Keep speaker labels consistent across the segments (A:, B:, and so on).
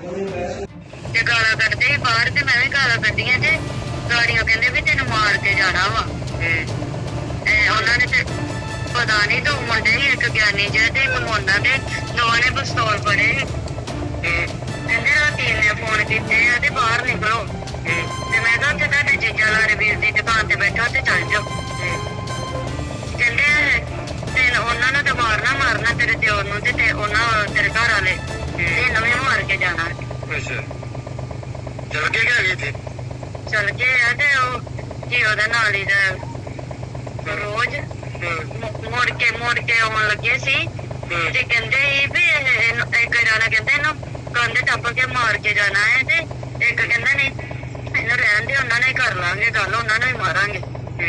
A: ਤੇ ਗਾਲਾਂ ਕੱਢਦੇ ਸੀ ਬਾਹਰ ਤੇ ਮੈਂ ਵੀ ਗਾਲਾਂ ਕੱਢੀਆਂ ਤੇ ਗਾੜੀਆਂ ਕਹਿੰਦੇ ਵੀ ਤੈਨੂੰ ਮਾਰ ਕੇ ਜਾਣਾ ਵਾ। ਉਹਨਾਂ ਨੇ ਤੇ ਪਤਾ ਨਹੀਂ ਦੋ ਮੁੰਡੇ ਸੀ, ਇੱਕ ਗਿਆਨੀ ਜਿਹਾ ਤੇ ਇੱਕ ਮੋਨਾ ਤੇ ਦੋਵਾਂ ਨੇ ਪਿਸਤੌਲ ਫੜੇ ਸੀ। ਕਹਿੰਦੇ ਰਾਤੀ ਨੇ ਫੋਨ ਕੀਤੇ ਆ ਤੇ ਬਾਹਰ ਨਿਕਲੋ ਤੇ ਮੈਂ ਕਿਹਾ ਉੱਥੇ ਤੁਹਾਡੇ ਜੀਜਾ ਲਾਰੇ ਵੀਰ ਦੀ ਦੁਕਾਨ ਤੇ ਬੈਠਾ ਤੇ ਚੱਲ ਜਾਓ। ਕਹਿੰਦੇ ਤੇ ਉਹਨਾਂ ਨੂੰ ਤਾਂ ਮਾਰਨਾ ਤੇਰੇ ਦਿਓਰ ਨੂੰ ਤੇ ਉਹਨਾਂ ਤੇਰੇ ਘਰ ਵਾਲੇ ਇਹਨੂੰ ਵੀ ਮਾਰ ਕੇ ਜਾਣਾ।
B: ਅੱਛਾ ਚੱਲ ਕੇ ਗਿਆ ਇੱਥੇ
A: ਚੱਲ ਗਏ ਆ ਤੇ ਉਹ ਕੀ ਉਹਦਾ ਨਾਲ ਹੀ ਦਾ ਰੋਜ਼ ਮੁੜ ਕੇ ਆਉਣ ਲੱਗੇ ਸੀ ਤੇ ਕਹਿੰਦੇ ਸੀ ਵੀ ਇੱਕ ਜਾਣਾ ਕਹਿੰਦਾ ਇਹਨੂੰ ਕੰਧ ਟੱਪ ਕੇ ਮਾਰ ਕੇ ਜਾਣਾ ਹੈ ਤੇ ਇੱਕ ਕਹਿੰਦਾ ਨਹੀਂ ਇਹਨੂੰ ਰਹਿਣ ਦੇ, ਉਹਨਾਂ ਨੇ ਕਰ ਲਾਂਗੇ ਗੱਲ, ਉਹਨਾਂ ਨੂੰ ਹੀ ਮਾਰਾਂਗੇ।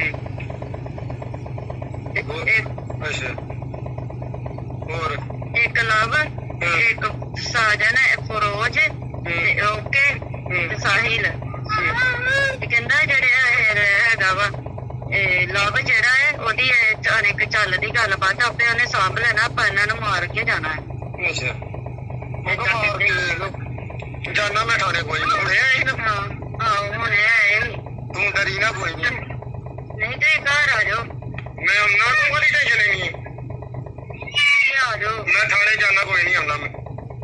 B: ਅੱਛਾ ਹੋਰ
A: ਇੱਕ ਲਵ ਇੱਕ ਸਾਜਨ ਫਰੋਜ਼ ਤੇ ਓਕੇ ਤੇ ਸਾਹਿਲ ਤੇ ਕਹਿੰਦਾ ਜਿਹੜੇ ਹੈਗਾ ਵਾ ਲਵ ਜਿਹੜਾ ਹੈ ਉਹਦੀ ਇੱਕ ਚੱਲਦੀ ਗੱਲਬਾਤ ਆਪੇ ਉਹਨੇ ਸਾਂਭ ਲੈਣਾ, ਆਪਾਂ ਇਹਨਾਂ ਨੂੰ ਮਾਰ ਕੇ ਜਾਣਾ ਹੈ।
B: ਅੱਛਾ ਜਾਨਾ ਮੈਂ ਥਾਣੇ ਕੋਈ ਨਹੀਂ ਹੁਣ
A: ਹੁਣ ਇਹ
B: ਤੂੰ ਡਰੀ ਨਾ ਕੋਈ
A: ਨਹੀਂ ਤੇ ਘਰ ਆ ਜਾਓ,
B: ਮੈਂ ਉਹਨਾਂ ਨੂੰ ਕੋਈ ਟੈਨਸ਼ਨ ਨਹੀਂ
A: ਆ ਜਾਓ।
B: ਮੈਂ ਥਾਣੇ ਜਾਣਾ ਕੋਈ ਨਹੀਂ ਆਉਂਦਾ ਮੈਂ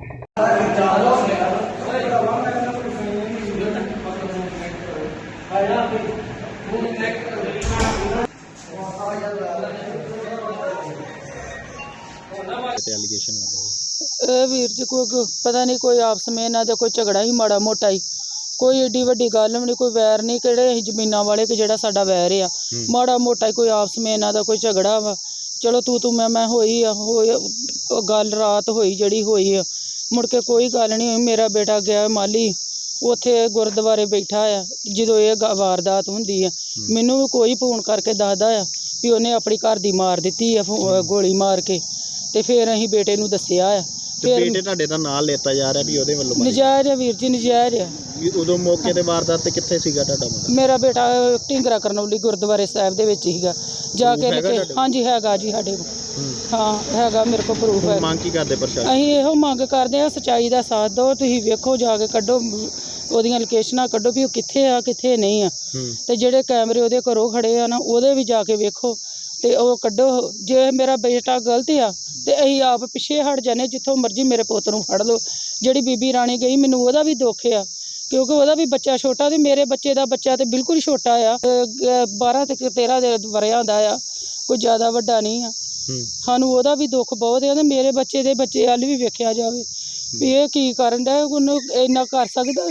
C: ਵੀਰ ਜੀ ਕੋਈ ਪਤਾ ਨਹੀਂ ਕੋਈ ਆਪਸ ਵਿੱਚ ਇਹਨਾਂ ਦਾ ਕੋਈ ਝਗੜਾ ਹੀ ਮਾੜਾ ਮੋਟਾ ਹੀ, ਕੋਈ ਏਡੀ ਵੱਡੀ ਗੱਲ ਵੀ ਨਹੀਂ, ਕੋਈ ਵੈਰ ਨਹੀਂ। ਕਿਹੜੇ ਅਸੀਂ ਜ਼ਮੀਨਾਂ ਵਾਲੇ ਕਿ ਜਿਹੜਾ ਸਾਡਾ ਵੈਰ ਆ, ਮਾੜਾ ਮੋਟਾ ਹੀ ਕੋਈ ਆਪਸ ਵਿੱਚ ਇਹਨਾਂ ਦਾ ਕੋਈ ਝਗੜਾ ਵਾ। ਚਲੋ ਤੂੰ ਮੈਂ ਹੋਈ ਆ ਗੱਲ ਰਾਤ ਹੋਈ ਜਿਹੜੀ ਹੋਈ ਆ, ਮੁੜ ਕੇ ਕੋਈ ਗੱਲ ਨਹੀਂ ਹੋਈ। ਮੇਰਾ ਬੇਟਾ ਗਿਆ ਮਾਲੀ ਉੱਥੇ ਗੁਰਦੁਆਰੇ ਬੈਠਾ ਆ ਜਦੋਂ ਇਹ ਵਾਰਦਾਤ ਹੁੰਦੀ ਆ, ਮੈਨੂੰ ਵੀ ਕੋਈ ਫੋਨ ਕਰਕੇ ਦੱਸਦਾ ਆ ਵੀ ਉਹਨੇ ਆਪਣੀ ਘਰ ਦੀ ਮਾਰ ਦਿੱਤੀ ਆ ਗੋਲੀ ਮਾਰ ਕੇ। ਤੇ ਫਿਰ ਅਸੀਂ ਬੇਟੇ ਨੂੰ ਦੱਸਿਆ ਆ।
D: ਬੇਟੇ ਤੁਹਾਡੇ ਦਾ ਨਾਂ ਲੈਤਾ ਜਾ ਰਿਹਾ ਵੀ ਉਹਦੇ ਵੱਲੋਂ
C: ਨਜਾਇਜ਼ ਆ ਵੀਰ ਜੀ, ਨਜਾਇਜ਼ ਆ।
D: ਉਦੋਂ ਮੌਕੇ ਤੇ ਵਾਰਦਾਤ ਤੇ ਕਿੱਥੇ ਸੀਗਾ ਤੁਹਾਡਾ ਮੁੰਡਾ?
C: ਮੇਰਾ ਬੇਟਾ ਢਿੰਗਰਾ ਕਰਨੌਲੀ ਗੁਰਦੁਆਰੇ ਸਾਹਿਬ ਦੇ ਵਿੱਚ ਸੀਗਾ ਜਾ ਕੇ। ਹਾਂਜੀ ਹੈਗਾ ਜੀ ਸਾਡੇ ਕੋਲ, ਹਾਂ ਹੈਗਾ ਮੇਰੇ ਕੋਲ ਪ੍ਰੂਫ ਹੈ।
D: ਮੰਗ ਕੀ ਕਰਦੇ ਪ੍ਰਸ਼ਾਸਨ?
C: ਅਸੀਂ ਇਹੋ ਮੰਗ ਕਰਦੇ ਆ ਸੱਚਾਈ ਦਾ ਸਾਥ ਦਿਓ। ਤੁਸੀਂ ਵੇਖੋ ਜਾ ਕੇ ਕੱਢੋ ਉਹਦੀਆਂ ਲੋਕੇਸ਼ਨਾਂ ਕੱਢੋ ਵੀ ਉਹ ਕਿੱਥੇ ਆ ਕਿੱਥੇ ਨਹੀਂ ਆ, ਤੇ ਜਿਹੜੇ ਕੈਮਰੇ ਉਹਦੇ ਘਰੋਂ ਖੜੇ ਆ ਨਾ ਉਹਦੇ ਵੀ ਜਾ ਕੇ ਵੇਖੋ ਤੇ ਉਹ ਕੱਢੋ। ਜੇ ਮੇਰਾ ਬੇਟਾ ਗਲਤ ਆ ਤੇ ਅਸੀਂ ਆਪ ਪਿੱਛੇ ਹਟ ਜਾਂਦੇ, ਜਿੱਥੋਂ ਮਰਜ਼ੀ ਮੇਰੇ ਪੁੱਤ ਨੂੰ ਫੜ ਲਓ। ਜਿਹੜੀ ਬੀਬੀ ਰਾਣੀ ਗਈ ਮੈਨੂੰ ਉਹਦਾ ਵੀ ਦੁੱਖ ਆ ਕਿਉਂਕਿ ਉਹਦਾ ਵੀ ਬੱਚਾ ਛੋਟਾ ਤੇ ਮੇਰੇ ਬੱਚੇ ਦਾ ਬੱਚਾ ਤੇ ਬਿਲਕੁਲ ਛੋਟਾ ਆ, 12 ਤੇ 13 ਦੇ ਵਰਿਆਂ ਦਾ ਆ, ਕੋਈ ਜ਼ਿਆਦਾ ਵੱਡਾ ਨਹੀਂ ਆ। ਸਾਨੂੰ ਉਹਦਾ ਵੀ ਦੁੱਖ ਬਹੁਤ ਆ ਤੇ ਮੇਰੇ ਬੱਚੇ ਦੇ ਬੱਚੇ ਵੱਲ ਵੀ ਵੇਖਿਆ ਜਾਵੇ ਵੀ ਇਹ ਕੀ ਕਰਨ ਡਿਆ, ਉਹਨੂੰ ਇੰਨਾ ਕਰ ਸਕਦਾ।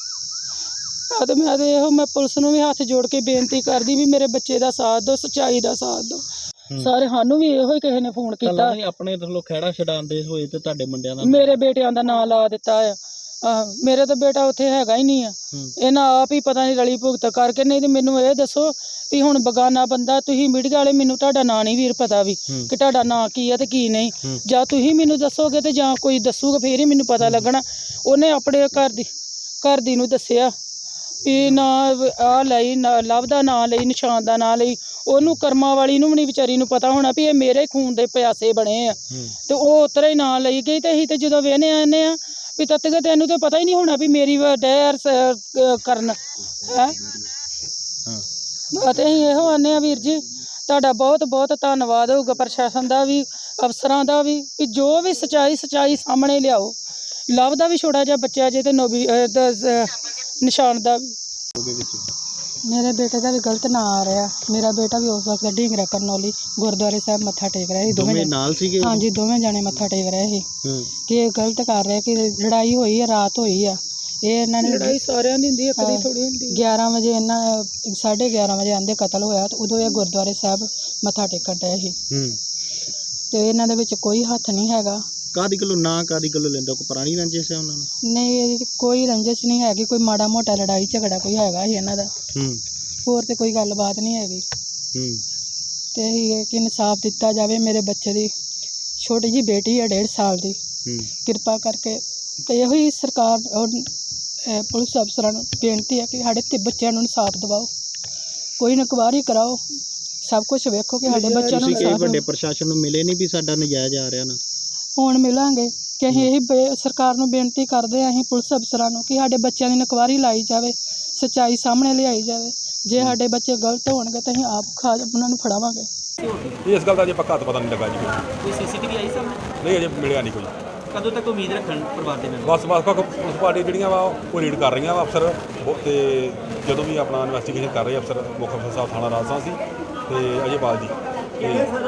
C: ਤੇ ਮੈਂ ਤੇ ਇਹੋ ਮੈਂ ਪੁਲਿਸ ਨੂੰ ਵੀ ਹੱਥ ਜੋੜ ਕੇ ਬੇਨਤੀ ਕਰਦੀ ਵੀ ਮੇਰੇ ਬੱਚੇ ਦਾ ਸਾਥ ਦਿਓ, ਸੱਚਾਈ ਦਾ ਸਾਥ ਦਿਓ। ਸਾਰੇ ਸਾਨੂੰ ਵੀ ਇਹੋ ਹੀ ਕਿਸੇ ਨੇ ਫੋਨ ਕੀਤਾ।
D: ਆਪਣੇ ਵੱਲੋਂ ਖਹਿੜਾ ਛਡਾਉਂਦੇ ਹੋਏ ਤੇ ਤੁਹਾਡੇ ਮੁੰਡਿਆਂ ਦਾ
C: ਮੇਰੇ ਬੇਟਿਆਂ ਦਾ ਨਾਂ ਲਾ ਦਿੱਤਾ ਆ। ਮੇਰੇ ਤਾਂ ਬੇਟਾ ਉੱਥੇ ਹੈਗਾ ਹੀ ਨਹੀਂ ਆ, ਇਹਨਾਂ ਆਪ ਹੀ ਪਤਾ ਨਹੀਂ ਰਲੀ ਭੁਗਤ ਕਰਕੇ। ਨਹੀਂ ਤੇ ਮੈਨੂੰ ਇਹ ਦੱਸੋ ਵੀ ਹੁਣ ਬਗਾਨਾ ਬੰਦਾ, ਤੁਸੀਂ ਮੀਡੀਆ ਵਾਲੇ, ਮੈਨੂੰ ਤੁਹਾਡਾ ਨਾਂ ਨਹੀਂ ਵੀਰ ਪਤਾ ਵੀ ਕਿ ਤੁਹਾਡਾ ਨਾਂ ਕੀ ਆ ਤੇ ਕੀ ਨਹੀਂ। ਜਾਂ ਤੁਸੀਂ ਮੈਨੂੰ ਦੱਸੋਗੇ ਤੇ ਜਾਂ ਕੋਈ ਦੱਸੂਗਾ ਫੇਰ ਹੀ ਮੈਨੂੰ ਪਤਾ ਲੱਗਣਾ। ਉਹਨੇ ਆਪਣੇ ਘਰ ਦੀ ਨੂੰ ਦੱਸਿਆ ਵੀ ਨਾ ਆਹ ਲਈ ਲਵ ਦਾ ਨਾਂ ਲਈ, ਨਿਸ਼ਾਨ ਦਾ ਨਾਂ ਲਈ। ਉਹਨੂੰ ਕਰਮਾਂ ਵਾਲੀ ਨੂੰ ਵੀ ਨਹੀਂ ਵਿਚਾਰੀ ਨੂੰ ਪਤਾ ਹੋਣਾ ਵੀ ਇਹ ਮੇਰੇ ਖੂਨ ਦੇ ਪਿਆਸੇ ਬਣੇ ਆ, ਤੇ ਉਹ ਉਤਰਾ ਹੀ ਨਾਂ ਲਈ ਗਈ। ਤੇ ਅਸੀਂ ਤੇ ਜਦੋਂ ਵੇਹਨੇ ਆਨੇ ਆ ਵੀ ਤੱਕ ਤੈਨੂੰ ਤਾਂ ਪਤਾ ਹੀ ਨਹੀਂ ਹੋਣਾ ਵੀ ਮੇਰੀ ਡੈਰ ਕਰਨ ਹੈ। ਅਤੇ ਅਸੀਂ ਇਹੋ ਆਨੇ ਆ ਵੀਰ ਜੀ ਤੁਹਾਡਾ ਬਹੁਤ ਬਹੁਤ ਧੰਨਵਾਦ ਹੋਊਗਾ ਪ੍ਰਸ਼ਾਸਨ ਦਾ ਵੀ, ਅਫਸਰਾਂ ਦਾ ਵੀ ਜੋ ਵੀ ਸੱਚਾਈ ਸਾਹਮਣੇ ਲਿਆਓ। ਲਵ ਦਾ ਵੀ ਛੋਟਾ ਜਿਹਾ ਬੱਚਾ ਜੇ ਤੇ ਨਿਸ਼ਾਨ ਦਾ ਵੀ। ਮੇਰੇ ਬੇਟੇ ਦਾ ਵੀ ਗਲਤ ਨਾਂ ਆ ਰਿਹਾ। ਮੇਰਾ ਬੇਟਾ ਵੀ ਉਸ ਵਕਤ ਢਿੰਗਰਾ ਕਰਨੌਲੀ ਗੁਰਦੁਆਰੇ ਸਾਹਿਬ ਮੱਥਾ ਟੇਕ ਰਿਹਾ ਸੀ। ਦੋਵੇਂ
D: ਨਾਲ ਸੀਗੇ? ਹਾਂਜੀ
C: ਦੋਵੇਂ ਜਾਣੇ ਮੱਥਾ ਟੇਕ ਰਹੇ ਸੀ ਕਿ ਇਹ ਗਲਤ ਕਰ ਰਿਹਾ ਕਿ ਲੜਾਈ ਹੋਈ ਆ, ਰਾਤ ਹੋਈ ਆ। ਇਹ ਇਹਨਾਂ ਨੇ ਲੜਾਈ ਸਾਰਿਆਂ ਦੀ ਹੁੰਦੀ, ਇੱਕ ਦੀ ਥੋੜੀ ਹੁੰਦੀ। 11 ਵਜੇ ਇਹਨਾਂ 11:30 ਵਜੇ ਆਂਦੇ ਕਤਲ ਹੋਇਆ ਤੇ ਉਦੋਂ ਇਹ ਗੁਰਦੁਆਰੇ ਸਾਹਿਬ ਮੱਥਾ ਟੇਕਣ ਡਏ ਸੀ ਤੇ ਇਹਨਾਂ ਦੇ ਵਿੱਚ ਕੋਈ ਹੱਥ ਨਹੀਂ ਹੈਗਾ।
D: ਕਾਦੀ ਗੱਲੋਂ ਨਾ ਕਾਦੀ ਗੱਲੋਂ ਲੈਂਦਾ? ਕੋਈ ਪੁਰਾਣੀ ਰੰਜਿਸ਼ ਹੈ ਉਹਨਾਂ ਨੂੰ? ਨਹੀਂ
C: ਇਹਦੀ ਕੋਈ ਰੰਜਿਸ਼ ਨਹੀਂ ਹੈਗੀ। ਕੋਈ ਮਾੜਾ ਮੋਟਾ ਲੜਾਈ ਝਗੜਾ ਕੋਈ ਹੈਗਾ ਸੀ ਇਹਨਾਂ ਦਾ, ਹੋਰ ਤੇ ਕੋਈ ਗੱਲਬਾਤ ਨਹੀਂ ਹੈਗੀ। ਤੇ ਇਹ ਕਿ ਇਨਸਾਫ ਦਿੱਤਾ ਜਾਵੇ। ਮੇਰੇ ਬੱਚੇ ਦੀ ਛੋਟੀ ਜਿਹੀ ਬੇਟੀ ਹੈ 1.5 ਸਾਲ ਦੀ, ਕਿਰਪਾ ਕਰਕੇ। ਤੇ ਇਹੋ ਹੀ ਸਰਕਾਰ ਔਰ ਪੁਲਿਸ ਅਫਸਰਾਂ ਨੂੰ ਬੇਨਤੀ ਹੈ ਕਿ ਸਾਡੇ ਤੇ ਬੱਚਿਆਂ ਨੂੰ ਇਨਸਾਫ ਦਿਵਾਓ, ਕੋਈ ਇਨਕੁਆਇਰੀ ਕਰਾਓ, ਸਭ ਕੁਝ ਵੇਖੋ ਕਿ ਸਾਡੇ ਬੱਚਿਆਂ ਨੂੰ।
D: ਤੁਸੀਂ ਵੱਡੇ ਪ੍ਰਸ਼ਾਸਨ ਨੂੰ ਮਿਲੇ ਨਹੀਂ ਵੀ ਸਾਡਾ ਨਜਾਇਜ਼ ਆ ਰਿਹਾ ਨਾ?
C: ਹੁਣ ਮਿਲਾਂਗੇ, ਕਿ ਅਸੀਂ ਇਹ ਸਰਕਾਰ ਨੂੰ ਬੇਨਤੀ ਕਰਦੇ ਹਾਂ, ਅਸੀਂ ਪੁਲਿਸ ਅਫਸਰਾਂ ਨੂੰ, ਕਿ ਸਾਡੇ ਬੱਚਿਆਂ ਦੀ ਇਨਕੁਆਇਰੀ ਲਾਈ ਜਾਵੇ, ਸੱਚਾਈ ਸਾਹਮਣੇ ਲਿਆਈ ਜਾਵੇ। ਜੇ ਸਾਡੇ ਬੱਚੇ ਗਲਤ ਹੋਣਗੇ ਤਾਂ ਅਸੀਂ ਆਪ ਉਹਨਾਂ ਨੂੰ ਫੜਾਵਾਂਗੇ।
E: ਇਸ ਗੱਲ ਦਾ ਅਜੇ ਪੱਕਾ ਪਤਾ ਨਹੀਂ ਲੱਗਾ ਜੀ
F: ਕੋਈ ਸੀਸੀਟੀਵੀ ਆਈ ਸਾਹਮਣੇ?
E: ਨਹੀਂ ਅਜੇ ਮਿਲਿਆ ਨਹੀਂ ਕੋਈ।
F: ਕਦੋਂ ਤੱਕ ਉਮੀਦ ਰੱਖਣ ਪਰਿਵਾਰ ਦੇ ਮੈਂਬਰ?
E: ਬਸ ਪੁਲਿਸ ਪਾਰਟੀ ਜਿਹੜੀਆਂ ਵਾ ਉਹ ਰੀਡ ਕਰ ਰਹੀਆਂ ਵਾ ਅਫਸਰ ਤੇ ਜਦੋਂ ਵੀ ਆਪਣਾ ਇਨਵੈਸਟੀਗੇਸ਼ਨ ਕਰ ਰਹੇ ਅਫਸਰ, ਮੁੱਖ ਅਫਸਰ ਸਾਹਿਬ ਥਾਣਾ ਰਾਜਸਥਾਨ ਸੀ ਤੇ ਅਜੇਪਾਲ ਜੀ ਤੇ